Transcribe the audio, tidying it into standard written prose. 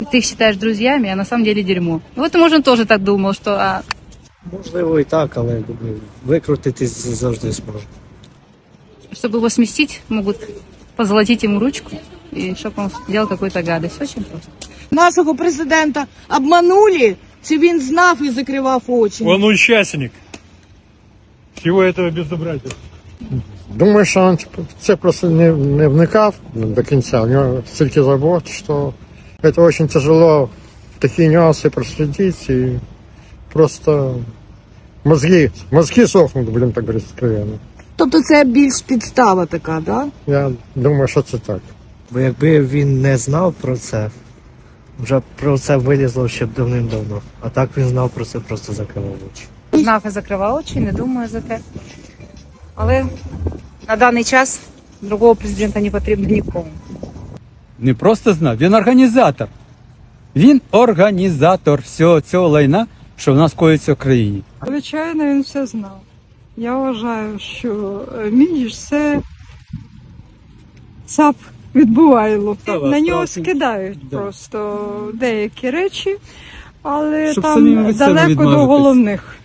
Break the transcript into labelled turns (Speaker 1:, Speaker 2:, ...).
Speaker 1: Ты их считаешь друзьями, а на самом деле дерьмо. Вот, может, он тоже так думал, что...
Speaker 2: Можливо і так, але думаю, викрутитись завжди зможу.
Speaker 1: Чтобы его сместить, могут позолотить ему ручку, и чтобы он делал какую-то гадость. Очень просто.
Speaker 3: Нашого президента обманули, чи він знав і закривав очі?
Speaker 4: Он участник всего этого безобразия.
Speaker 5: Думаю, що він це просто не вникав до кінця. У нього стільки забот, що це дуже тяжело такі нюанси проследить, і просто мозги сохнуть, блін, так говорить, откровенно.
Speaker 3: Тобто це більш підстава така, да?
Speaker 5: Я думаю, що це так.
Speaker 2: Бо якби він не знав про це, вже про це вилізло ще б давним-давно. А так він знав про це, просто закривав очі.
Speaker 1: Знав і закривав очі, не думаю за те. Але на даний час другого президента не потрібно нікому.
Speaker 6: Не просто знав, він організатор. Він організатор всього цього лайна, що в нас коїться в країні.
Speaker 7: Звичайно, він все знав. Я вважаю, що Мініш це ЦАП відбувайло. На нього скидають просто деякі речі, але
Speaker 6: Щоб самим
Speaker 7: там
Speaker 6: від себе
Speaker 7: далеко до
Speaker 6: відмовитись.
Speaker 7: головних.